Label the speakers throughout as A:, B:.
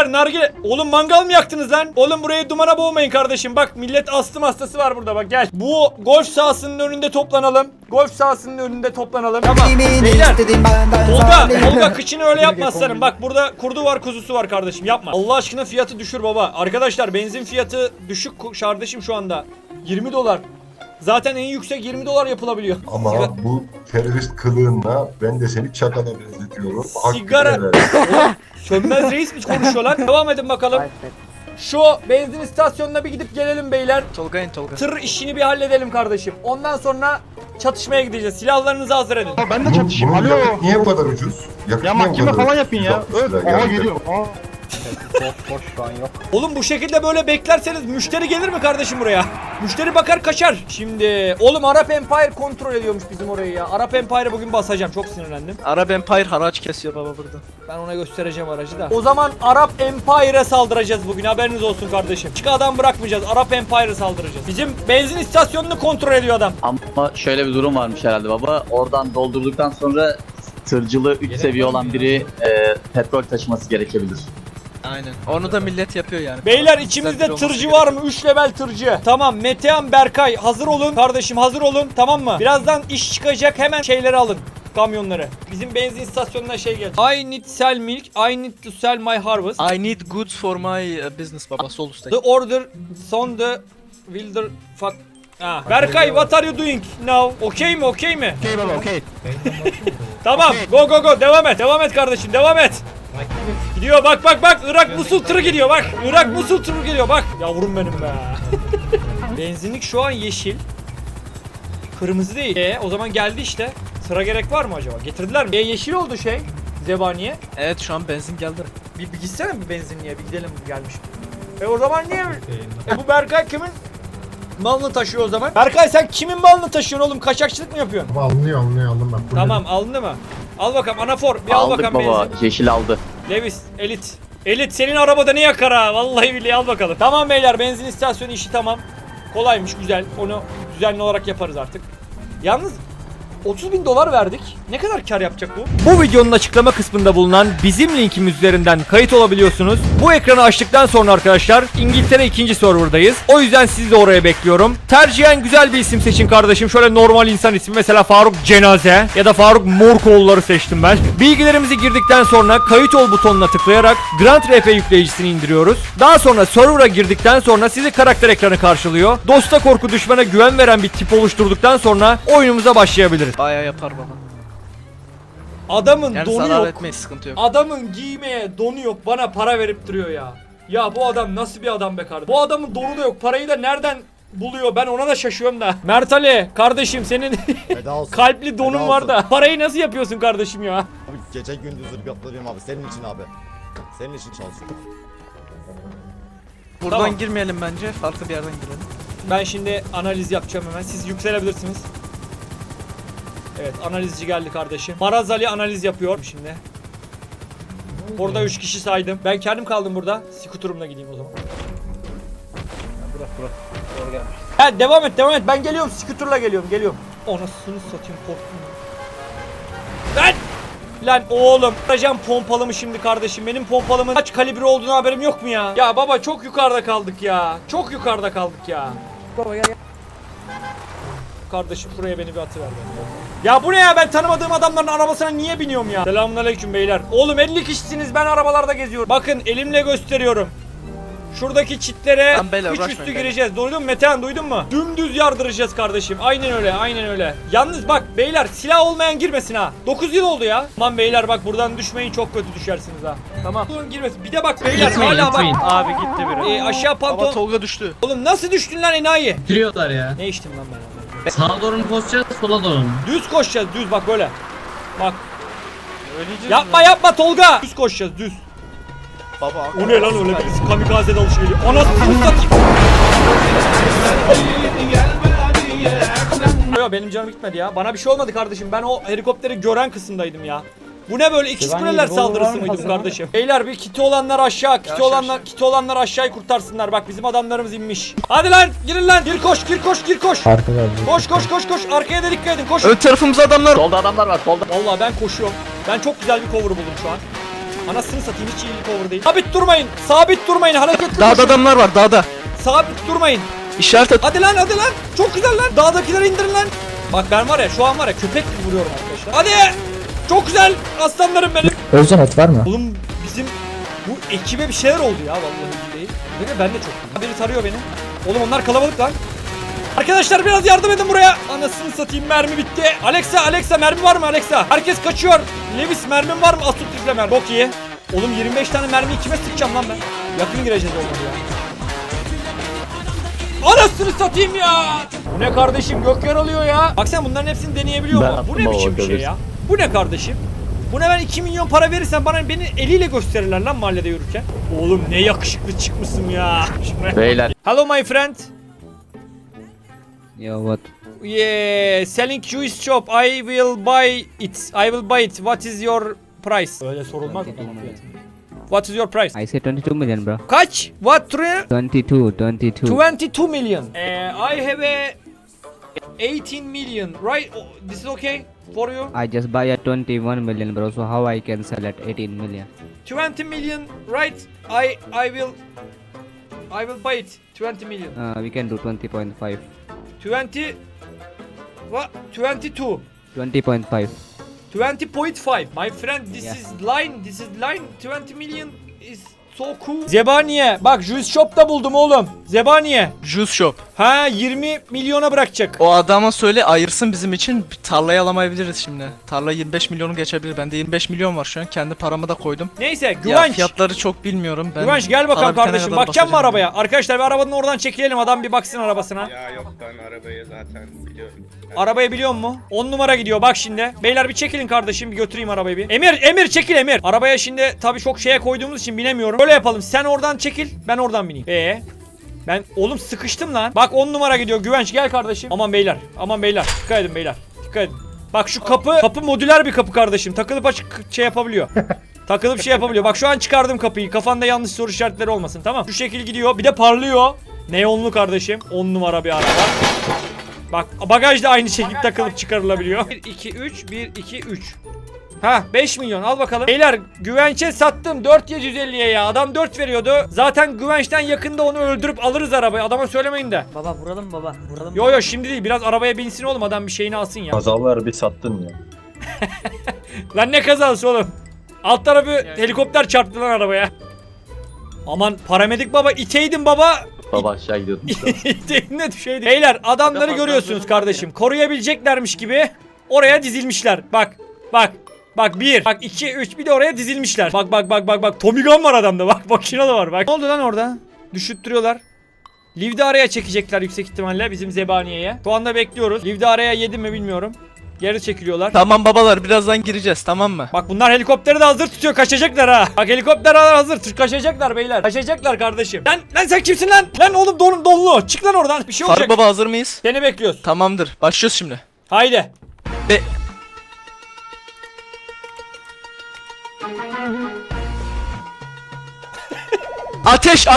A: Beyler nargile. Oğlum mangal mı yaktınız lan? Oğlum burayı dumana boğmayın kardeşim. Bak millet astım hastası var burada bak gel. Bu golf sahasının önünde toplanalım. Golf sahasının önünde toplanalım. Tamam. Beyler. Tolga kıçını öyle yapma aslanım. Bak burada kurdu var kuzusu var kardeşim yapma. Allah aşkına fiyatı düşür baba. Arkadaşlar benzin fiyatı düşük kardeşim şu anda. 20 dolar. Zaten en yüksek 20 dolar yapılabiliyor.
B: Ama bu terörist kılığınla ben de seni çakala benzetiyorum.
A: Sigara. Sönmez reis mi konuşuyor lan? Devam edin bakalım. Şu benzin istasyonuna bir gidip gelelim beyler.
C: Tolga.
A: Tır işini bir halledelim kardeşim. Ondan sonra çatışmaya gideceğiz. Silahlarınızı hazır edin.
D: Ben de çatışayım. Alo.
B: Yakıt niye bu kadar ucuz? Yakıt
D: Ya
B: niye bu
D: mahkeme
B: kadar
D: falan
B: ucuz?
D: yapın ya.
B: Çok güzel,
D: Aha
B: gerçekten.
D: geliyor. Aa.
C: Boş şu an yok.
A: Oğlum bu şekilde böyle beklerseniz müşteri gelir mi kardeşim buraya? Müşteri bakar kaçar. Şimdi oğlum Arap Empire kontrol ediyormuş bizim orayı ya. Arap Empire'ı bugün basacağım. Çok sinirlendim.
C: Arap Empire haraç kesiyor baba burada.
A: Ben ona göstereceğim aracı da. O zaman Arap Empire'a saldıracağız bugün. Haberiniz olsun kardeşim. Çık adam bırakmayacağız. Arap Empire'a saldıracağız. Bizim benzin istasyonunu kontrol ediyor adam.
E: Ama şöyle bir durum varmış herhalde baba. Oradan doldurduktan sonra tırcılığı 3 seviye olan biri petrol taşıması gerekebilir.
C: Aynen. Onu da millet yapıyor yani.
A: Beyler
C: Güzel
A: içimizde
C: biri olması
A: tırcı var mı? 3 level tırcı. Tamam Metehan Berkay hazır olun. Kardeşim hazır olun tamam mı? Birazdan iş çıkacak hemen şeyleri alın. Kamyonları. Bizim benzin istasyonuna şey gelecek. I need sell milk. I need to sell my harvest.
C: I need goods for my business baba sol üstte.
A: The order son the wilder fuck. Berkay what are you doing now? Okey mi?
D: Okey baba okey.
A: Tamam. Go. Devam et kardeşim. Devam et. Gidiyor bak. Irak Musul tırı gidiyor bak. Irak Musul tırı geliyor bak. Yavrum benim be. Benzinlik şu an yeşil. Kırmızı değil. O zaman geldi işte. Sıra gerek var mı acaba? Getirdiler mi? Yeşil oldu şey. Zebaniye.
C: Evet şu an benzin geldi.
A: Bir gitsene bir benzinliğe. Bir gidelim gelmiş. O zaman niye? Bu Berkay kimin malını taşıyor o zaman? Berkay sen kimin malını taşıyorsun oğlum? Kaçakçılık mı yapıyorsun?
F: Alınıyor aldım bak.
A: Tamam alındı mı? Al bakalım anafor bir al
E: Aldık
A: bakalım
E: baba.
A: benzin.
E: Yeşil aldı.
A: Levis elit. Elit senin arabada ne yakar ha? Vallahi billahi al bakalım. Tamam beyler benzin istasyonu işi tamam. Kolaymış güzel. Onu düzenli olarak yaparız artık. Yalnız 30.000 dolar verdik. Ne kadar kar yapacak bu? Bu videonun açıklama kısmında bulunan bizim linkimiz üzerinden kayıt olabiliyorsunuz. Bu ekranı açtıktan sonra arkadaşlar İngiltere 2. serverdayız. O yüzden sizi de oraya bekliyorum. Tercihen güzel bir isim seçin kardeşim. Şöyle normal insan ismi mesela Faruk Cenaze ya da Faruk Morkoğulları seçtim ben. Bilgilerimizi girdikten sonra kayıt ol butonuna tıklayarak Grand RP yükleyicisini indiriyoruz. Daha sonra server'a girdikten sonra sizi karakter ekranı karşılıyor. Dosta korku düşmana güven veren bir tip oluşturduktan sonra oyunumuza başlayabiliriz.
C: Bayağı yapar baba.
A: Adamın
C: Yani
A: donu
C: zarar
A: yok.
C: etmeyiz sıkıntı yok.
A: Adamın giymeye donu yok. Bana para verip duruyor ya. Ya bu adam nasıl bir adam be kardeşim? Bu adamın donu da yok. Parayı da nereden buluyor? Ben ona da şaşıyorum da. Mert Ali kardeşim senin kalpli donun var da. Parayı nasıl yapıyorsun kardeşim ya?
G: Abi gece gündüz ırgatlarıyım abi senin için abi. Senin için çalışıyorum.
C: Buradan
A: Tamam.
C: girmeyelim bence. Farklı bir yerden girelim.
A: Ben şimdi analiz yapacağım hemen. Siz yükselebilirsiniz. Evet analizci geldi kardeşim. Maraz Ali analiz yapıyor şimdi. Orada 3 kişi saydım. Ben kendim kaldım burada. Skuturumla gideyim o zaman.
C: Bırak. Doğru gelmiş.
A: Ha devam et. Ben geliyorum. Skuturla geliyorum. Anasını satayım korktum. Lan oğlum. Arayacağım pompalımı şimdi kardeşim. Benim pompalımın kaç kalibre olduğunu haberim yok mu ya? Ya baba çok yukarıda kaldık ya. Baba gel. Kardeşim şuraya beni bir atıver. Ya bu ne ya, ben tanımadığım adamların arabasına niye biniyorum ya? Selamünaleyküm beyler. Oğlum 50 kişisiniz, ben arabalarda geziyorum. Bakın elimle gösteriyorum. Şuradaki çitlere
C: Tamam beyler,
A: üç
C: uğraşmayın
A: üstü
C: beyler.
A: gireceğiz. Duydun mu Metehan, duydun mu? Dümdüz yardıracağız kardeşim. Aynen öyle. Yalnız bak beyler, silah olmayan girmesin ha. 9 yıl oldu ya. Aman beyler bak, buradan düşmeyin, çok kötü düşersiniz ha. Tamam. Durun girmesin. Bir de bak beyler, hala bak.
H: Abi gitti biri.
A: Aşağı
C: Baba
A: pantolon.
C: Tolga düştü.
A: Oğlum nasıl düştün lan enayi?
H: Bitiriyorlar ya.
A: Ne içtim lan ben?
H: Sağa doğru mu koşacağız, sola doğru mu?
A: Düz koşacağız, düz bak böyle. Bak.
C: Öleceğiz
A: Yapma Tolga. Düz koşacağız, düz.
C: Baba.
A: O ne lan öyle, birisi kamikaze dalışı geliyor. Anasını satayım. Yo, benim canım gitmedi ya. Bana bir şey olmadı kardeşim. Ben o helikopteri gören kısımdaydım ya. Bu ne böyle, ikiz kuleler saldırısı mıydı bu kardeşim? Beyler bir kiti olanlar aşağı, kiti olanlar aşağıyı kurtarsınlar. Bak bizim adamlarımız inmiş. Hadi lan, girin lan. Gir koş.
F: Arkada.
A: Koş. Arkaya da dikkat edin. Koş.
C: Ön tarafımızda adamlar.
E: Solda adamlar var solda.
A: Vallahi ben koşuyorum. Ben çok güzel bir cover buldum şu an. Anasını satayım, hiç iyilik over değil. Sabit durmayın. Sabit durmayın. Hareketli
C: Dağda
A: koşun.
C: adamlar var dağda.
A: Sabit durmayın.
C: İşaret at.
A: Hadi lan hadi lan. Çok güzel lan. Dağdakileri indirin lan. Bak ben var ya şu an var ya köpek gibi vuruyorum arkadaşlar. Hadi. Çok güzel aslanlarım benim.
F: Özcan et var mı?
A: Oğlum bizim bu ekibe bir şeyler oldu ya vallahi billahi. Ve ben de çok. Biri tarıyor beni. Oğlum onlar kalabalık lan. Arkadaşlar biraz yardım edin buraya. Anasını satayım, mermi bitti. Alexa mermi var mı Alexa? Herkes kaçıyor. Lewis mermin var mı? Asut mermi. Çok iyi. Oğlum 25 tane mermiyi kime sıkacağım lan ben? Yakın gireceğiz olmadı ya. Anasını satayım ya. Bu ne kardeşim, gök yaralıyor ya. Bak sen bunların hepsini deneyebiliyor
E: Ben
A: mu? Bu ne
E: aklıma
A: biçim bir şey
E: bakabilirsin.
A: ya? Bu ne kardeşim? Buna ben 2 milyon para verirsen beni eliyle gösterirler lan mahallede yürürken. Oğlum ne yakışıklı çıkmışsın ya.
E: Beyler.
A: Hello my friend.
F: Yeah, what?
A: Yeah, selling juice shop. I will buy it. I will buy it. What is your price? Öyle sorulmaz mı? What is your price?
F: I say 22 million, bro.
A: Kaç? What?
F: 22.
A: 22 million. I have a 18 million. Right? Oh, this is okay for you?
F: I just buy at 21 million, bro. So how I can sell at 18 million?
A: 20 million, right? I will buy it. 20 million.
F: We can do 20.5.
A: 20 what? 22.
F: 20.5.
A: 20.5. My friend, this is line. This is line. 20 million is so cool. Zebaniye. Bak juice shop da buldum oğlum. Zebaniye.
C: Juice shop.
A: Ha 20 milyona bırakacak.
C: O adama söyle ayırsın bizim için. Tarlayı alamayabiliriz şimdi. Tarla 25 milyonu geçebilir. Bende 25 milyon var şu an. Kendi paramı da koydum.
A: Neyse
C: Ya
A: Güvenç.
C: fiyatları çok bilmiyorum. Ben
A: Güvenç gel bakalım
C: para bitene
A: kardeşim.
C: kadar
A: Bakacağım mı
C: bakacağım.
A: arabaya? Arkadaşlar bir arabanın oradan çekilelim. Adam bir baksın arabasına.
I: Ya yok ben arabayı zaten biliyorum.
A: Arabayı biliyor mu? 10 numara gidiyor bak şimdi. Beyler bir çekilin kardeşim, bir götüreyim arabayı bir. Emir çekil Emir. Arabaya şimdi tabii çok şeye koyduğumuz için binemiyorum. Böyle yapalım, sen oradan çekil, ben oradan bineyim. Ben oğlum sıkıştım lan. Bak 10 numara gidiyor. Güvenç gel kardeşim. Aman beyler dikkat edin beyler. Dikkat edin. Bak şu kapı modüler bir kapı kardeşim. Takılıp açık şey yapabiliyor. Takılıp şey yapabiliyor. Bak şu an çıkardım kapıyı. Kafanda yanlış soru işaretleri olmasın, tamam. Şu şekil gidiyor. Bir de parlıyor. Neonlu kardeşim. 10 numara bir araba. Bak bagaj da aynı şekilde takılıp çıkarılabiliyor. 1 2 3 1 2 3. Ha 5 milyon al bakalım. Beyler Güvenç'e sattım 4750'ye ya. Adam 4 veriyordu. Zaten Güvenç'ten yakında onu öldürüp alırız arabayı. Adama söylemeyin de.
J: Baba vuralım baba. Vuralım.
A: Yo şimdi değil. Biraz arabaya binsin oğlum. Adam bir şeyini alsın ya.
B: Kazalar bir sattın ya.
A: Lan ne kazası oğlum. Alt tarafı helikopter çarptı lan arabaya. Aman paramedik baba, iteydin baba.
E: Baba aşağı gidiyordum.
A: İteydin de düşeydi. Beyler adamları görüyorsunuz kardeşim. Koruyabileceklermiş gibi oraya dizilmişler. Bak 1, bak 2, 3 bir de oraya dizilmişler. Bak Tommy Gun var adamda. Bak makine de var bak. Ne oldu lan orada? Düşüttürüyorlar. Liv'de araya çekecekler yüksek ihtimalle bizim Zebaniye'ye. Şu anda bekliyoruz. Liv'de araya yedi mi bilmiyorum. Geri çekiliyorlar.
C: Tamam babalar birazdan gireceğiz tamam mı?
A: Bak bunlar helikopteri de hazır tutuyor, kaçacaklar ha. Bak helikopter hazır, kaçacaklar beyler. Kaçacaklar kardeşim. Lan sen kimsin lan? Lan oğlum donlu. Çık lan oradan. Bir şey olacak.
C: Faruk baba hazır mıyız?
A: Seni bekliyoruz.
C: Tamamdır. Başlıyoruz şimdi.
A: Haydi.
C: Ateş.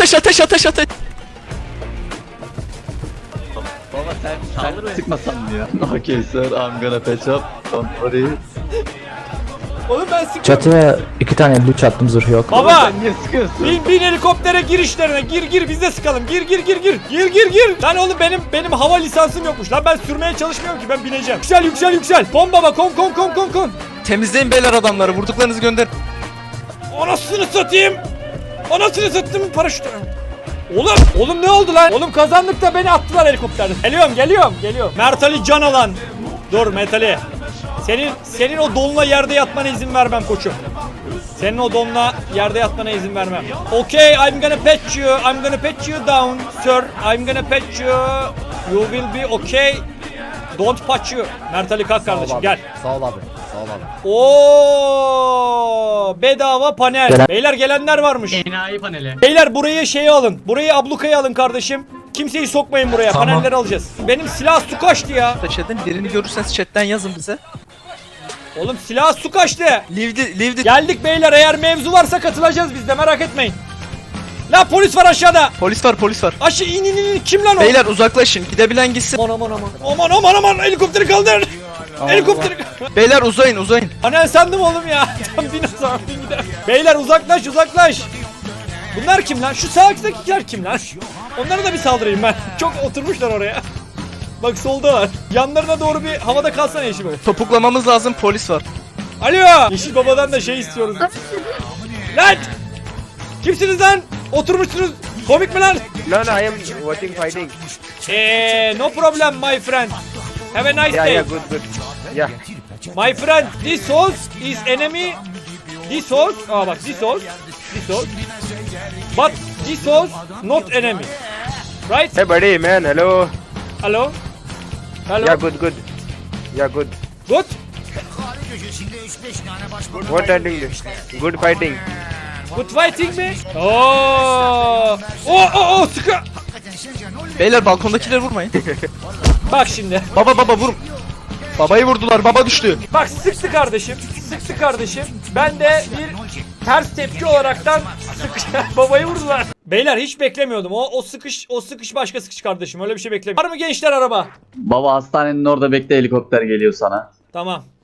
E: Baba sen sıkmasan mı ya? Okay sir, I'm gonna patch up. Don't worry.
A: Oğlum ben sıkıyorum.
F: Çatıya 2 tane blue çattım, zırh yok.
A: Baba.
E: Sen niye sıkıyorsun?
A: Bin helikoptere girişlerine gir biz de sıkalım. Gir. Lan oğlum benim hava lisansım yokmuş. Lan ben sürmeye çalışmıyorum ki, ben bineceğim. Yüksel. Kon baba kon.
C: Temizleyin beyler adamları. Vurduklarınızı gönder.
A: Anasını satayım paraşütü. Oğlum ne oldu lan? Oğlum kazandık da beni attılar helikopterden. Geliyorum. Mert Ali can alan. Dur Mert Ali. Senin o donla yerde yatmana izin vermem koçum. Senin o donla yerde yatmana izin vermem. Okay, I'm gonna patch you down, sir. I'm gonna patch you. You will be okay. Don't patch you. Mert Ali kalk kardeşim gel.
G: Sağ ol abi.
A: Oo, bedava panel. Beyler gelenler varmış.
H: Enayi paneli.
A: Beyler burayı alın. Burayı ablukaya alın kardeşim. Kimseyi sokmayın buraya.
F: Tamam.
A: Panelleri alacağız. Benim silah su kaçtı ya.
C: Ateş edin. Birini görürseniz chatten yazın bize.
A: Oğlum silah su kaçtı.
C: Livdi.
A: Geldik beyler, eğer mevzu varsa katılacağız biz de, merak etmeyin. La polis var aşağıda.
C: Polis var.
A: Aşağı in. Kim lan o?
C: Beyler uzaklaşın. Gidebilen gitsin.
A: Aman helikopteri kaldır. Helikopteri.
C: Beyler uzayın.
A: Panel sandım oğlum ya. Tam dinozor. Sakin gider. Beyler uzaklaş uzaklaş. Bunlar kim lan? Şu sağdakiler kim lan? Onlara da bir saldırayım ben. Çok oturmuşlar oraya. Bak soldalar. Yanlarına doğru bir havada kalsana Yeşil Baba.
C: Topuklamamız lazım, polis var.
A: Alo! Yeşil Baba'dan da şey istiyoruz. Lan! Kimsiniz lan? Oturmuşsunuz. Komik mi lan?
I: No, no, I am watching fighting.
A: No problem my friend. Have a nice
I: Yeah,
A: day.
I: yeah, good, good. Yeah.
A: My friend, this horse is enemy. This horse, bak this horse. But this horse not enemy. Right?
I: Hey, buddy, man, hello.
A: Hello? Hello?
I: Yeah, good, good. Yeah, good.
A: Good?
I: What are you doing? Good fighting.
A: Good fighting mi? Oo, sıkı.
C: Beyler balkondakileri vurmayın.
A: Bak şimdi.
C: Baba vur. Babayı vurdular, baba düştü.
A: Bak sıktı kardeşim. Sıktı kardeşim. Ben de bir ters tepki olaraktan babayı vurdular. Beyler hiç beklemiyordum. O sıkış başka sıkış kardeşim. Öyle bir şey beklemiyordum. Var mı gençler araba?
E: Baba hastanenin orada bekle, helikopter geliyor sana.
A: Tamam.